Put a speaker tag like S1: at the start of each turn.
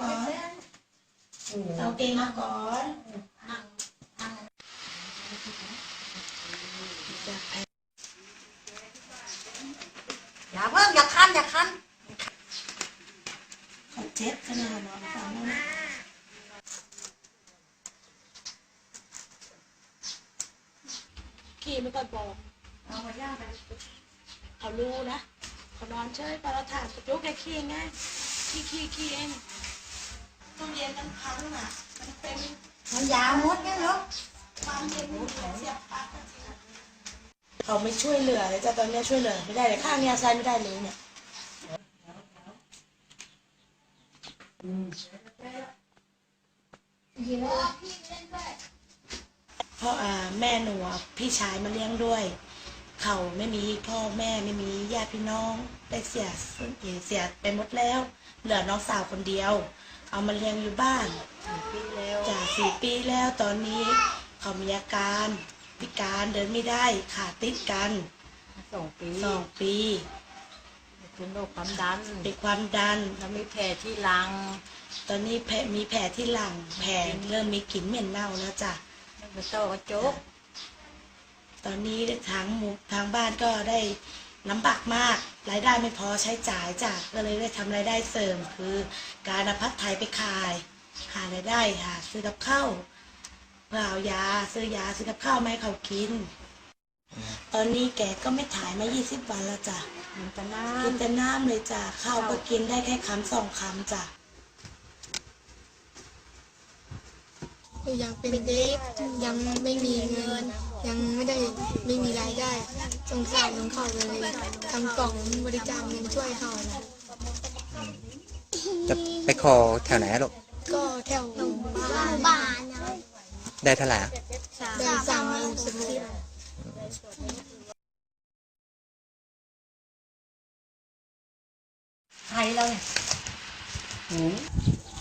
S1: ก่อนเอาเกงมาก่อน
S2: อย่าเพิ่งอย่าคัน
S1: เขาเจ็บขนาดนอนฟังแล้วนะขี่ไม่ก่อนบอกเอามาย่าไปเขารู้นะเขานอนเฉยปลาถาดกระจุกแค่ขี้ไงขี้เองต้องเย็นน้ำพังอ่ะมันเป็น
S2: มันยาวมดเนี่ยเหรอ
S1: ความเย็นเสียบปากเขาไม่ช่วยเหลือเลยจ้ะตอนนี้ช่วยเหลือไม่ได้เลยข้างนี้ใช้ไม่ได้เลยเนี่ยเพราะแม่หนูพี่ชายมาเลี้ยงด้วยเขาไม่มีพ่อแม่ไม่มีญาติพี่น้องได้เสียไปหมดแล้วเหลือน้องสาวคนเดียวเอามาเลี้ยงอยู่บ้านจาก4 ปีแล้วตอนนี้เขามีอาการพิการเดินไม่ได้ขาติดกัน2 ปี
S3: เป็นโรคความดัน
S1: เป็นความดัน
S3: แล้วมีแผลที่หลัง
S1: ตอนนี้มีแผลที่หลังแผลเริ่มมีกลิ่นเหม็นเน่าแล้วจ้ะ
S3: มันโตกระจก
S1: ตอนนี้ทางบ้านก็ได้ลำบากมากรายได้ไม่พอใช้จ่ายจ้ะก็เลยได้ทำรายได้เสริมคือการเอาผัดไทยไปขายหารายได้หาซื้อกับข้าวเพื่อเอายาซื้อยาซื้อกับข้าวมาให้เขากินตอนนี้แกก็ไม่ถ่ายมา20 วันแล้วจ้ะกินแต่น้ำเลยจ้ะข้าวก็กินได้แค่1-2 คำจ้ะ
S4: ยังเป็นเด็กยังไม่มีเงินยังไม่มีรายได้สงสารน้องเขาเลยทำกล่องบริจาคเงินช่วยเขานะ
S5: จะไปขอแถวไหนลูก
S4: ก็แถวบ้าน
S5: ได้เท่าไหร่
S4: ได้30,000
S2: ไทยเราเนี่ย